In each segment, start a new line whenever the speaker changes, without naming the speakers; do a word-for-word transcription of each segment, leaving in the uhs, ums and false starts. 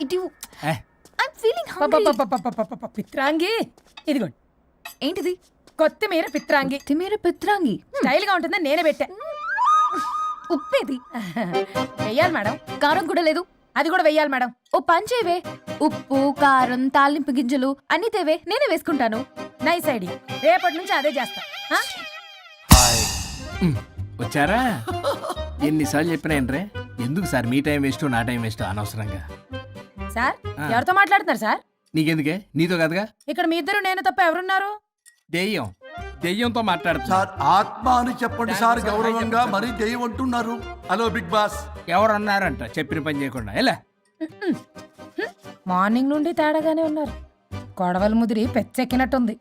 ఇటు I'm feeling hungry.
పిత్రాంగి ఇదిగోండి.
ఏంటిది?
కొత్తిమీర పిత్రాంగి.
కొత్తిమీర పిత్రాంగి
స్టైల్ గా ఉంటుందని నేనే పెట్టా.
ఉప్పేది?
వెయ్యాలి మేడం.
కారం కూడా లేదు.
అది కూడా వెయ్యాలి మేడం.
ఓ పంచేవే, ఉప్పు కారం తాలింపు గింజలు అన్ని తేవే, నేనే వేసుకుంటాను.
Nice idea. రేపటి నుంచి అదే చేస్తా.
వచ్చారా? ఎన్నిసార్లు చెప్పినా ఏంట్రే, ఎందుకు సార్ మీ టైం వేస్ట్ నా టైం వేస్ట్ అనవసరంగా?
సార్ ఎవరితో మాట్లాడుతున్నారు సార్?
నీకెందుకే, నీతో కదగా.
ఇక్కడ మీ ఇద్దరు నేను తప్ప ఎవరున్నారు?
దెయ్యం దెయ్యంతో మాట్లాడుతున్నా.
సార్ ఆత్మ అని చెప్పండి సార్, గౌరవంగా మరీ దెయ్యం అంటున్నారు. Hello big boss.
ఎవరు అన్నారంట చెప్పిన పని చేయకుండా? ఎలా
మార్నింగ్ నుండి తేడాగానే ఉన్నారు. కొడవల ముదిరి పెచ్చెక్కినట్టుంది.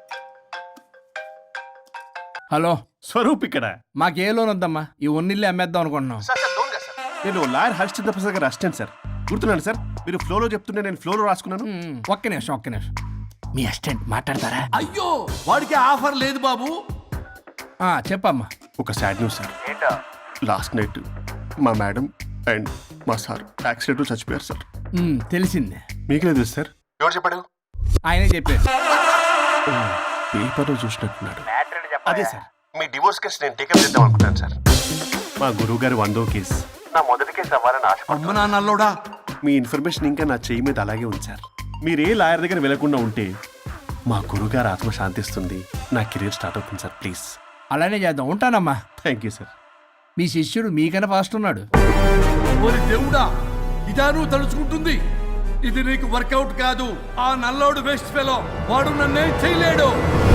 హలో
స్వరూప్ ఇక్కడ.
మాకే లోన్ వద్దమ్మా, ఈ ఒన్నిల్లు అమ్మేద్దాం అనుకుంటున్నాం.
నేను లాయర్ హరిశ్చంద్ర ప్రసాద్ గారు అసిస్టెంట్ సార్. గుర్తున్నాను సార్, మీరు ఫ్లోలో చెప్తుంటే నేను ఫ్లోలో రాసుకున్నాను.
మ్మ్. ఒక్క నిమిషం ఒక్క నిమిషం మీ అసిస్టెంట్ మాట్లాడతారా?
అయ్యో వాడికి ఆఫర్ లేదు బాబు.
ఆ, చెప్పమ్మా.
ఒక sad news sir. Last night మా మేడం అండ్ మా సార్ యాక్సిడెంట్ చచ్చిపోయారు సార్.
మ్మ్, తెలిసిందే.
మీకు లేదు సార్.
ఎవరు చెప్పాడు?
ఆయనే చెప్పారు.
పేపర్లో చూసినట్టున్నాడు.
అదే సార్, మీ డివోర్స్ కేసు నేను టేకప్ చేద్దాం అనుకుంటాను సార్.
మా గురువు గారి వందో కేసు
నా మొదటి కేసు అవ్వాలని ఆశ.
అమ్మ నాన్నల్లోడా,
మీ ఇన్ఫర్మేషన్ ఇంకా నా చెయ్యి మీద అలాగే ఉంది సార్. మీరు ఏ లాయర్ దగ్గర వెళ్లకుండా ఉంటే మా గురుగారు ఆత్మ శాంతిస్తుంది, నా కెరీర్ స్టార్ట్ అవుతుంది సార్. ప్లీజ్
అలానే చేద్దాం. ఉంటానమ్మా.
Thank you sir.
మీ శిష్యుడు మీకన్నా ఫాస్ట్ ఉన్నాడు.
ఓరి దేవుడా, ఇదా నువ్వు తలుచుకుంటుంది? ఇది నీకు వర్కౌట్ కాదు. ఆ నల్లోడు వేస్ట్ ఫెలో, వాడు నన్నేం చేయలేడు.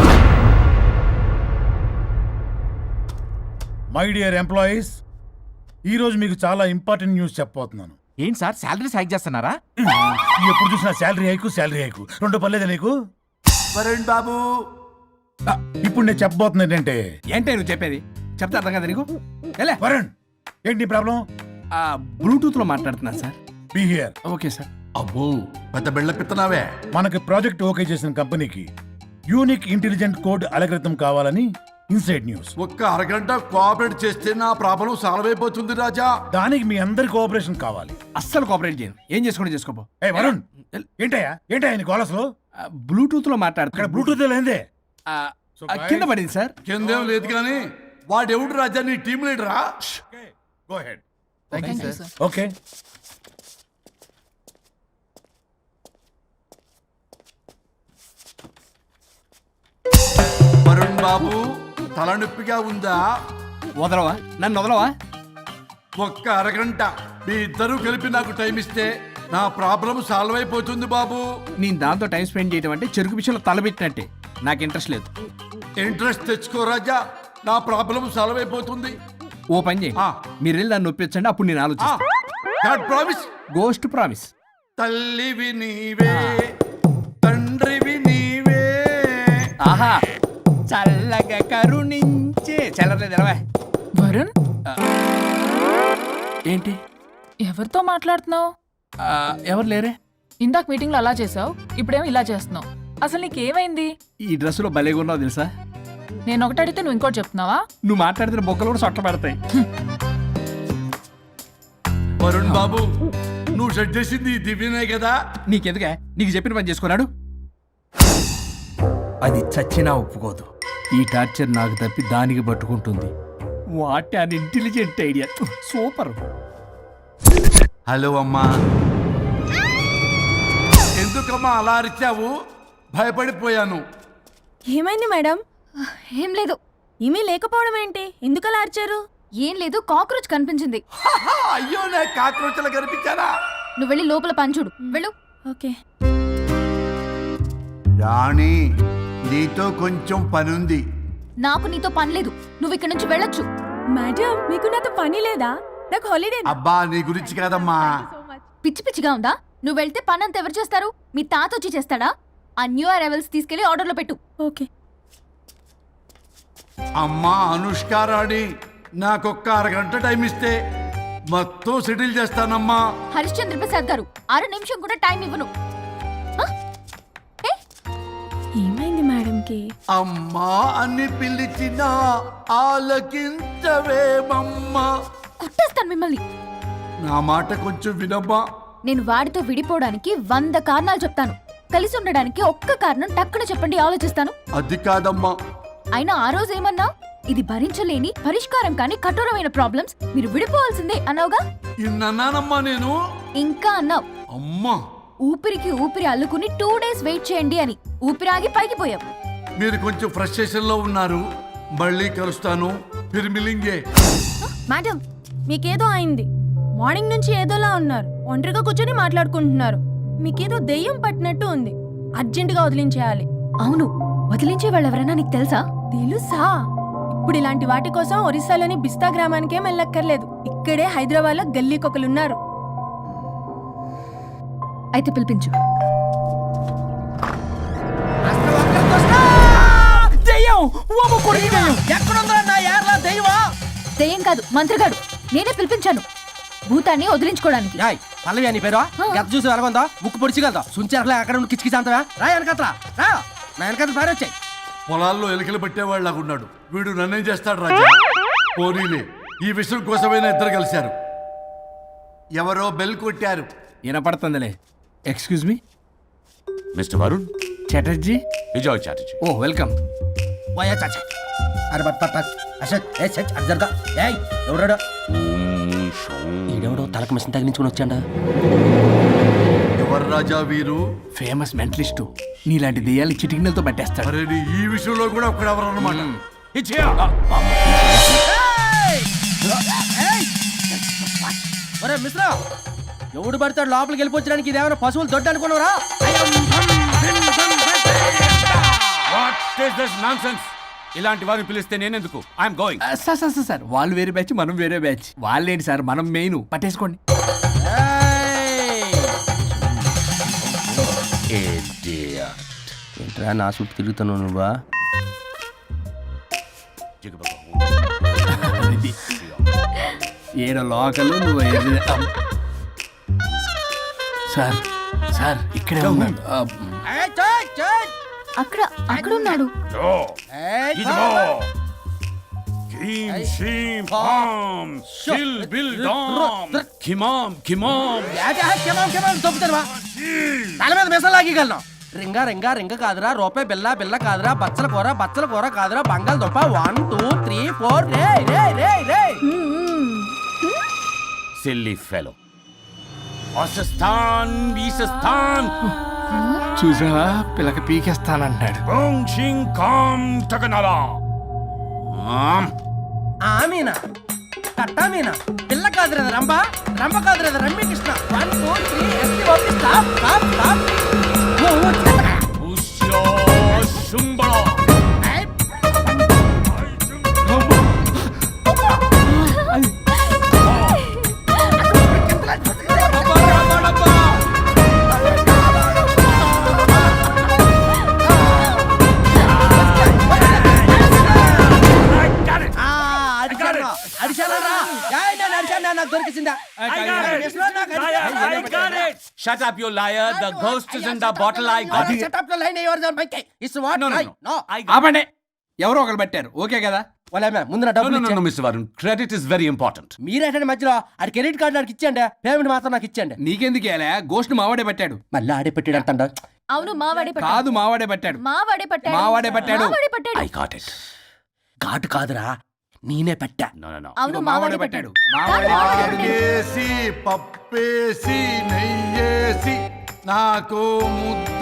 మై డియర్ ఎంప్లాయీస్, ఈరోజు మీకు చాలా ఇంపార్టెంట్ న్యూస్ చెప్పబోతున్నాను.
ఏంటి సార్, శాలరీస్ హైక్ చేస్తున్నారా?
ఎప్పుడు చూసినా శాలరీ హైకు శాలరీ హైకు రెండు పర్లేదా నీకు?
వరుణ్ బాబు,
ఆ, ఇప్పుడు నేను చెప్పబోతున్నా ఏంటంటే,
ఏంటే నువ్వు చెప్పేది? చెప్తా అర్థం కదా నీకు? ఎలా
వరుణ్ ఏంటి ప్రాబ్లం?
బ్లూటూత్ లో మాట్లాడుతున్నాను sir.
Be here.
Okay sir.
అబ్బో పెద్ద బిళ్ళ పిత్తనావే.
మనకి ప్రాజెక్ట్ ఓకే చేసిన కంపెనీకి యూనిక్ ఇంటెలిజెంట్ కోడ్ అలకృతం కావాలని ఇన్సైడ్ న్యూస్.
ఒక్క అరగంట కోఆపరేట్ చేస్తే నా ప్రాబ్లం సాల్వ్ అయిపోతుంది రాజా.
దానికి మీ అందరి కోఆపరేషన్ కావాలి.
అస్సలు కోఆపరేట్ చేయను. ఏం చేసుకోండి చేసుకోపో.
ఏ వరుణ్, ఏంటయ్యా ఏంటయ్యా నీ గోలసలు?
బ్లూటూత్ లో
ఇక్కడ
మాట్లాడుతున్నా.
బ్లూటూత్ లేదే.
కింద పడింది సార్.
కిందేం లేదు కానీ వాడెవడు రాజా, నీ టీం లీడరా?
Go ahead.
Sir.
Okay.
Varun బాబు, తలనొప్పిగా ఉందా?
వదలవా? నన్ను వదలవా?
ఒక్క అరగంట మీ ఇద్దరూ కలిపి నాకు టైం ఇస్తే నా ప్రాబ్లం సాల్వ్ అయిపోతుంది బాబు.
నేను దాంతో టైం స్పెండ్ చేయడం అంటే చెరుకు విషయంలో తలబెట్టినట్టే. నాకు ఇంట్రెస్ట్ లేదు.
ఇంట్రెస్ట్ తెచ్చుకో రాజా, నా ప్రాబ్లం సాల్వ్ అయిపోతుంది.
ఓ పని చేయండి,
ఆ.
మీరు వెళ్ళి నన్ను ఒప్పించండి, అప్పుడు నేను ఆలోచిస్తాను.
God promise.
Ghost promise.
తల్లివి నీవే, తండ్రివి నీవే.
ఆహా, చల్లగా కరుణించే చల్లలేదు ఎలా?
వరుణ్,
ఏంటి?
ఎవరితో మాట్లాడుతున్నావు?
ఆ, ఎవరు లేరే?
ఇందాక మీటింగ్ లో అలా చేసావు, ఇప్పుడేమో ఇలా చేస్తున్నావు. అసలు నీకేమైంది?
ఈ డ్రెస్సులో భలేగా ఉన్నావు తెలుసా?
నేను ఒకటి అడిగితే నువ్వు ఇంకోటి చెప్తున్నావా?
నువ్వు మాట్లాడితే బొక్కలు కూడా సొట్ట పెడతాయి.
వరుణ్ బాబు, నువ్వు సెట్ చేసింది ఈ దివ్యనే కదా?
నీకెందుకే? నీకు చెప్పిన పని చేసుకున్నాడు. అది చచ్చినా ఒప్పుకోదు. ఈ టార్చర్ నాకు తప్పి దానికి పట్టుకుంటుంది. What an intelligent idea. Super.
Hello అమ్మా. ఎందుకమ్మా అలా అరిచావు? భయపడిపోయాను.
ఏమైంది మేడం?
ఏం లేదు.
ఏమీ లేకపోవడం ఏంటి? ఎందుకలా అరిచారు?
ఏం లేదు, కాక్రోచ్ కనిపించింది.
అయ్యో, నా కాక్రోచ్లు కనిపించారా?
నువ్వు వెళ్ళి లోపల పని చూడు. వెళ్ళు.
ఓకే.
రాణి, నీతో కొంచెం పనుంది.
నాకు నీతో పని లేదు. నువ్వు ఇక్కడ నుంచి వెళ్ళొచ్చు.
మేడం, మీకు నాతో పని లేదా? నాకు హాలిడే.
అబ్బా, నీ గురించి కాదమ్మా.
పిచ్చి పిచ్చిగా ఉందా? నువ్వు వెళ్తే పని అంతా ఎవరు చేస్తారు? మీ తాత వచ్చి చేస్తాడా? ఆ న్యూ అరైవల్స్ తీసుకెళ్లి ఆర్డర్లో పెట్టు.
ఓకే.
అమ్మా అనుష్క రాణి, నాకొక్క అరగంట టైం ఇస్తే మొత్తం సెటిల్ చేస్తానమ్మా.
హరిశ్చంద్ర ప్రసాద్ గారు, అర నిమిషం కూడా టైం ఇవ్వను. ఆ? ఏ?
ఏమైంది మేడంకి?
అమ్మా అని పిలిచిన ఆలకించవేమమ్మా.
కొట్టేస్తాను మిమ్మల్ని.
నా మాట కొంచెం వినమ్మా.
నేను వాడితో విడిపోవడానికి వంద కారణాలు చెప్తాను, కలిసి ఉండడానికి ఒక్క కారణం టక్కున చెప్పండి, ఆలోచిస్తాను.
అది కాదమ్మా.
అయినా ఆ రోజు ఏమన్నా, ఇది భరించలేని పరిష్కారం కాని కఠోరమైన ప్రాబ్లమ్స్, మీరు విడిపోవాల్సిందే అన్నావుగా.
ఇన్నానమ్మా నేను.
ఇంకా అన్నావు,
అమ్మా
ఊపిరికి ఊపిరి అల్లుకుని టూ డేస్ వెయిట్ చేయండి అని. ఊపిరాగి పైకి పోయావు.
మీరు కొంచెం ఫ్రస్ట్రేషన్ లో ఉన్నారు. మళ్ళీ కలుస్తాను. ఫిర్మిలింగే.
మేడం, మీకేదో అయింది. మార్నింగ్ నుంచి ఏదోలా ఉన్నారు. ఒంటరిగా కూర్చొని మాట్లాడుకుంటున్నారు. మీకేదో దెయ్యం పట్టినట్టు ఉంది. అర్జెంటుగా వదిలించేయాలి.
అవును, వదిలించే వాళ్ళెవరైనా నీకు తెలుసా?
తెలుసా? ఇప్పుడు ఇలాంటి వాటి కోసం ఒరిస్సాలోని బిస్తా గ్రామానికేం వెళ్ళక్కర్లేదు. ఇక్కడే హైదరాబాద్ లో గల్లీకొకలున్నారు.
అయితే పిలిపించు. దెయ్యం కాదు, మంత్రగాడు. నేనే పిలిపించాను భూతాన్ని వదిలించుకోవడానికి.
పల్లవి అని పేరు గత చూసి వెలగొందా ముక్కు పొడిచిగలదా సుంచరలే అక్కడ ఉండి కిచకిచ అంతవా రా వెనకట్రా రా నా వెనకట్ల పారి వచ్చాయి.
పొలాల్లో ఎలికలు పట్టేవాళ్ళలాగున్నాడు వీడు. నన్నేం చేస్తాడు రాజా? పోనీలే, ఈ విషయం కోసమైనా ఇద్దరు కలిశారు. ఎవరో బెల్ కొట్టారు.
వినపడుతుందిలే. Excuse me
mister Varun
Chatterjee.
Vijay Chatterjee.
ఓ వెల్కమ్.
పోయా చాచా అరే బట్ పట్ అశోక్ ఏ సచ్ అర్జర్గా ఏయ్ ఎవరాడు? ఈడెవడో తలకు మిషన్ తగిలించుకుని వచ్చాడా?
ఎవరు రాజా వీరు?
Famous mentalist. నీలాంటి దెయ్యాలు చిటికినలతో పట్టేస్తాడు.
అరే నీ ఈ విషయంలో కూడా ఒకడెవరు అన్నమాట.
ఒరే మిశ్రా, ఎవడు పడతాడు లోపలికి వెళ్ళిపోవడానికి? ఇదేమైనా పశువులు దొడ్డు అనుకున్నారా?
ఇలాంటి వారిని పిలిస్తే నేనెందుకు? I'm going.
Sir sir sir sir వాళ్ళు వేరే బ్యాచ్, మనం వేరే బ్యాచ్. వాళ్ళేంటి సార్, మనం మెయిన్. పట్టేసుకోండి.
ఏంట్రా నా చుట్టూ తిరుగుతున్నావు నువ్వా?
ఏడ లోకలు నువ్వు ఏడు- అమ్. సార్ సార్ ఇక్కడే ఉన్నాడు. అమ్.
అక్కడ అక్కడ ఉన్నాడు.
తల మీద మిసం లాగగలను. రింగా రింగా రింగ కాదురా, రూపాయి బిల్ల బిల్ల కాదురా, బచ్చల కూర బచ్చల కూర కాదురా, బంగాళదుంప వన్ టూ త్రీ ఫోర్ రే రే రే రే.
Silly fellow. అసస్థాన్ బీసస్థాన్
చూసావా, పిల్లకి పీకేస్తానంటాడు.
ఆమీనా కట్టా మీనా పిల్ల కాదురా రంభ, రంభ కాదురా Ramya Krishna. One two three S T O P stop stop stop.
Shut up, you liar. The ghost is in the bottle. I got it.
Shut up the line yours on bike. It's what?
No, no,
I-
no.
no.
I got
ఆపండి. ఎవరో ఒకరు పెట్టారు. Okay కదా?
వాళ్ళ ముందు నా
No, no,
డబ్బులు
no, no,
ఇచ్చేయండి.
Mister Varun. Credit is very important.
మీరేంటంటే మధ్యలో ఆడి క్రెడిట్ కార్డు నాకు ఇచ్చేయండి, పేమెంట్ మాత్రం నాకు ఇచ్చేయండి.
నీకెందుకు వేలా? గోష్ట్ మావాడే పట్టాడు.
మళ్ళీ ఆడే పెట్టాడు అంటాడు.
అవును, మావాడే పట్టాడు.
కాదు, మావాడే పట్టాడు.
మావాడే పట్టాడు.
మావాడే పట్టాడు.
మావాడే పట్టాడు.
I got it.
ఘాటు కాదురా, నేనే పెట్టా.
No, no, no.
అవును, మావాడే పట్టాడు.
మావాడే పట్టాడు.
ఆకేసి పప్పేసి నెయ్యేసి నాకు ముద్ద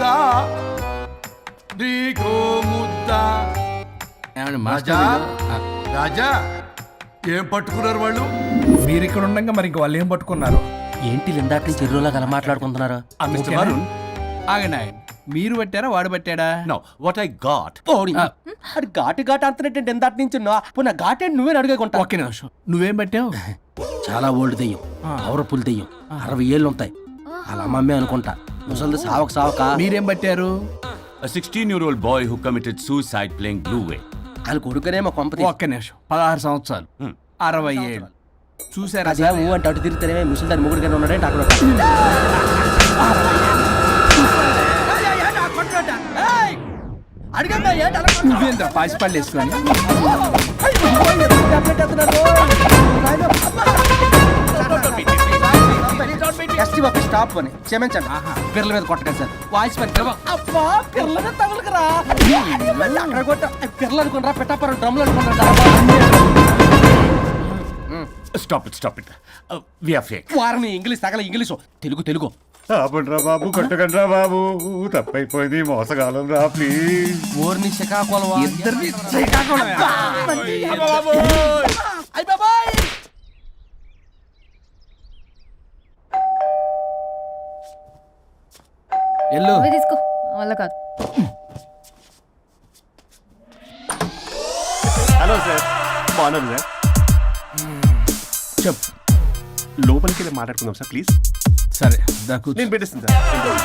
నీకో ముద్ద.
ఏమండి
రాజా
మాస్టర్?
రాజా ఏం పట్టుకున్నారు వాళ్ళు?
మీరు ఇక్కడ ఉండగా మరి ఇంక వాళ్ళు ఏం పట్టుకున్నారు?
ఏంటి ఇందాక నుంచి చెరువులో కల మాట్లాడుకుంటున్నారు?
Uh, Mister Varun.
ఆగండి ఆగండి. మీరు పట్టారా వాడు పట్టాడా?
No, what I got.
ఓడి అది ఘాటు ఘాటు అంతనేంటి ఇందాక నుంచి పున్న ఘాటేంటి నువ్వే అడుగుకుంటా.
ఒక్క నిమిషం. నువ్వేం పట్టావు?
చాలా ఓల్డ్ దెయ్యం, పవర్ఫుల్ దెయ్యం, అరవై ఏళ్ళు ఉంటాయి. అలా అమ్మమ్మే అనుకుంటా. ముసలిది సావక సావక.
మీరేం పట్టారు?
A sixteen-year-old boy who committed suicide playing Blue Whale.
వాళ్ళ కొడుకునేమో కొంపతి.
ఒక్క నిమిషం. పదహారు సంవత్సరాలు, అరవై ఏళ్ళు. చూసారా?
అదే ఊ అంటే అటు తిరిగితేనే ముసలి దాని ముగ్గురు ఉన్నాడంటే అక్కడ అడిగమ్మా ఏంటి అలా
నువ్వేంద్ర పాసిపళ్ళు వేసుకొని?
కొట్టుకుంటున్నావు? ఎస్టీ బాబు స్టాప్ అని క్షమించండి పిల్లల మీద కొట్టగా సార్ వాయిస్ పని అబ్బా పిల్లల మీద తగులుకురా అక్కడ కొట్ట పిల్లలు అనుకున్నారా పెట్టాపరం డ్రమ్లు అనుకున్నారా
stop it stop it we are fake
వారిని ఇంగ్లీష్ తగల ఇంగ్లీషు తెలుగు తెలుగు
ఆపండ్రా బాబు కొట్టకండ్రా బాబు తప్పైపోయింది మోసగాలం రా ప్లీజ్
ఓర్ని శ్రీకాకుళం
ఇద్దరిని ఎల్లు
నువ్వే తీసుకో వల్ల కాదు.
హలో సార్ బాగున్నాను సార్
చెప్పు.
లోపలికి వెళ్ళి మాట్లాడుకుందాం సార్ ప్లీజ్.
సరే దాకు
నేను పెట్టేస్తాను సార్.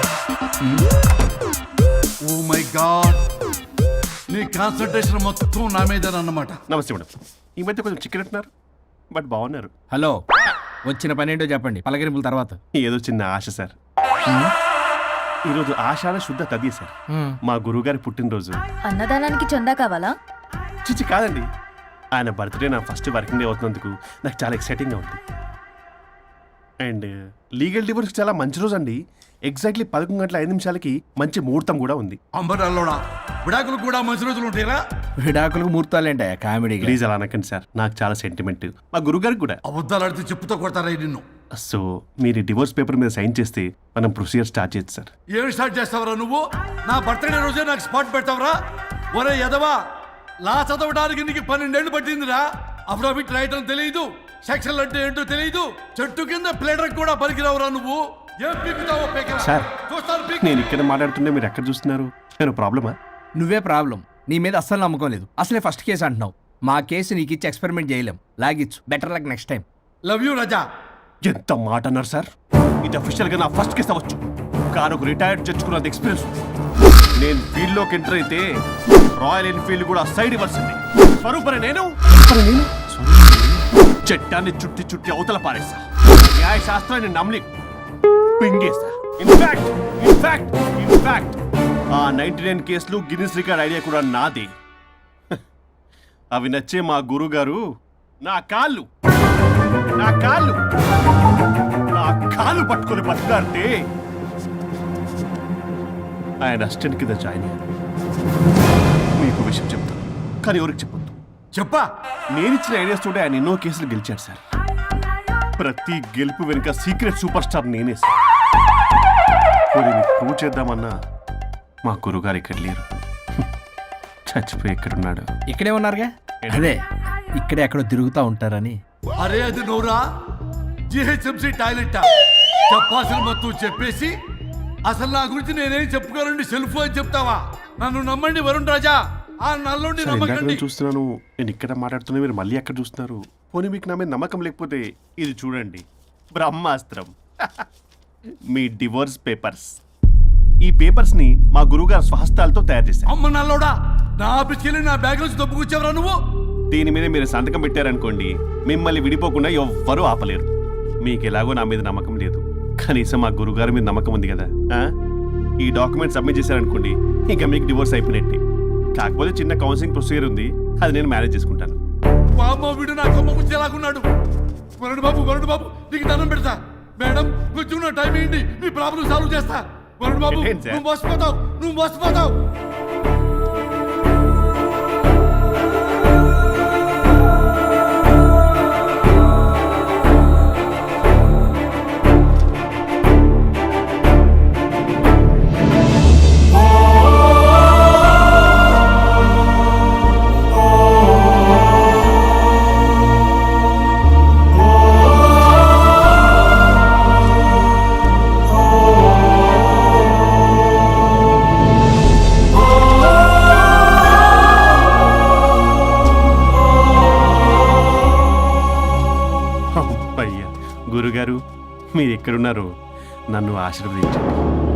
ఓ మై గాడ్ నీ కాన్సన్ట్రేషన్ మొత్తం నా మీదనన్నమాట.
నమస్తే మేడం. ఈ మధ్య కొంచెం చికెన్ అంటున్నారు బట్ బాగున్నారు.
హలో వచ్చిన పని ఏంటో చెప్పండి, పలకరింపుల తర్వాత.
ఏదో చిన్న ఆశ సార్. ఈరోజు ఆషాఢ శుద్ధ తది సార్, మా గురువుగారి పుట్టినరోజు.
అన్నదానానికి చందా కావాలా?
చిచ్చి కాదండి, ఆయన బర్త్డే నా ఫస్ట్ వర్కింగ్ డే అవుతున్నందుకు నాకు చాలా ఎక్సైటింగ్గా ఉంది. అండ్ లీగల్ డివోర్స్ చాలా మంచి రోజు అండి. ఎగ్జాక్ట్లీ పదకొండు గంటల ఐదు నిమిషాలకి మంచి ముహూర్తం కూడా ఉంది.
అంబరాల్లోడా విడాకులు కూడా మంచి రోజులు ఉంటాయిరా.
విడాకులకు ముహూర్తాలేంట కామెడీ.
ప్లీజ్ అలా అనకండి సార్, నాకు చాలా సెంటిమెంట్, మా గురుగారికి కూడా.
అబద్ధాలు ఆడితే చెప్పుతో కొడతారా నిన్ను.
సో మీరు డివోర్స్ పేపర్ మీద సైన్ చేస్తే మనం ప్రొసీజర్ స్టార్ట్ చేయొచ్చు సార్.
ఏం స్టార్ట్ చేస్తావరా నువ్వు? నా బర్త్డే రోజే నాకు స్పాట్ పెడతావరా? ఒరే ఎదవా, లా చదవడానికి నీకు పన్నెండేళ్లు పట్టిందిరా. అఫిడవిట్ రాయటం తెలియదు, సెక్షన్లు అంటే ఏంటో తెలియదు, చెట్టు కింద ప్లేడర్ కూడా పలికిరావురా నువ్వు. ఏం పీకుతావో పీకరా.
సార్
చూస్తాను పీకు.
నేను ఇక్కడ మాట్లాడుతుంటే మీరు ఎక్కడ చూస్తున్నారు? నేను ప్రాబ్లమా?
నువ్వే ప్రాబ్లం. నీ మీద అస్సలు నమ్మకం లేదు. అసలే ఫస్ట్ కేసు అంటున్నావు. మా కేసు నీకు ఇచ్చి ఎక్స్పెరిమెంట్ చేయలేం. లాగిచ్చు. Better luck next time.
Love you Raza.
ఎంత మాట అన్నారు సార్. ఇది అఫీషియల్ గా నా ఫస్ట్ కేసు అవ్వచ్చు, కానీ ఒక రిటైర్డ్ జడ్జ్కున్నది ఎక్స్పీరియన్స్. నేను ఫీల్డ్ లోకి ఎంటర్ అయితే రాయల్ ఎన్ఫీల్డ్ కూడా సైడ్ ఇవ్వాల్సింది. స్వరూపరే నేను నేను చట్టాన్ని చుట్టి చుట్టి అవతల పారేసా. న్యాయ శాస్త్రాన్ని నమ్మి పింగేసా. ఇన్ఫాక్ట్ ఇన్ఫాక్ట్ ఇన్ఫాక్ట్ ఆ నైన్టీ నైన్ కేసులు గిన్నిస్ రికార్డ్ ఐడియా కూడా నాదే. అవి నచ్చే మా గురుగారు నా కాళ్ళు నా కాళ్ళు నా కాళ్ళు పట్టుకొని బతుకాడితే ఆయన అసిస్టెంట్ కింద జాయిన్ అయ్యాను. మీకు విషయం చెప్తాను, కానీ ఎవరికి చెప్పొద్దు.
చెప్పా.
నేను ఇచ్చిన ఐడియాస్ తోటి ఆయన ఎన్నో కేసులు గెలిచాడు సార్. ప్రతి గెలుపు వెనుక సీక్రెట్ సూపర్ స్టార్ నేనే సార్. మరి మీకు ప్రూవ్ చేద్దామన్నా మా గురుగారు ఇక్కడ లేరు. చచ్చిపోయి ఎక్కడున్నాడు?
ఇక్కడే ఉన్నారుగా. అదే ఇక్కడే ఎక్కడో తిరుగుతూ ఉంటారని.
అరే అది నోరా, జిహెచ్ఎంసీ టాయిలెట్ చెప్పాల్సిన మొత్తం చెప్పేసి అసలు నా గురించి నేనేం చెప్పుకోనండి సెల్ఫ్ అని చెప్తావా? నన్ను నమ్మండి వరుణ్ రాజా, ఆ నల్లుండి
సార్, ఇందాక
నమ్మకండి.
నేను చూస్తున్నాను, నేను ఇక్కడ మాట్లాడుతున్నా, మీరు మళ్ళీ ఎక్కడ చూస్తున్నారు? పోనీ మీకు నా మీద నమ్మకం లేకపోతే ఇది చూడండి, బ్రహ్మాస్త్రం. మీ డివోర్స్ పేపర్స్. ఈ పేపర్స్ ని మా గురువుగారు స్వహస్తాలతో తయారు చేశారు.
అమ్మ నల్లోడా, నా ఆఫీస్కి వెళ్ళి నా బ్యాగ్ నుంచి దొప్పుకొచ్చావరా నువ్వు?
దీని మీద మీరు సంతకం పెట్టారనుకోండి, మిమ్మల్ని విడిపోకుండా ఎవ్వరూ ఆపలేరు. మీకు ఎలాగో నా మీద నమ్మకం లేదు, కనీసం మా గురుగారి మీద నమ్మకం ఉంది కదా. ఆ? ఈ డాక్యుమెంట్ సబ్మిట్ చేశారనుకోండి, ఇంకా మీకు డివోర్స్ అయిపోయినట్టే. కాకపోతే చిన్న కౌన్సిలింగ్ ప్రొసీజర్ ఉంది, అది నేను మేనేజ్ చేసుకుంటాను.
బామ్మ వీడు నా కొమ్మ గురించి ఎలాగున్నాడు? వరుణ్ బాబు వరుణ్ బాబు నీకు దండం పెడతా. మేడం కొంచెం నా టైం ఏంటి, మీ ప్రాబ్లం సాల్వ్ చేస్తా. వరుణ్ బాబు
ఏంటి సార్?
నువ్వు మోసపోతావు, నువ్వు మోసపోతావు.
అయ్యా గురుగారు, మీరు ఎక్కడున్నారో నన్ను ఆశీర్వదించండి.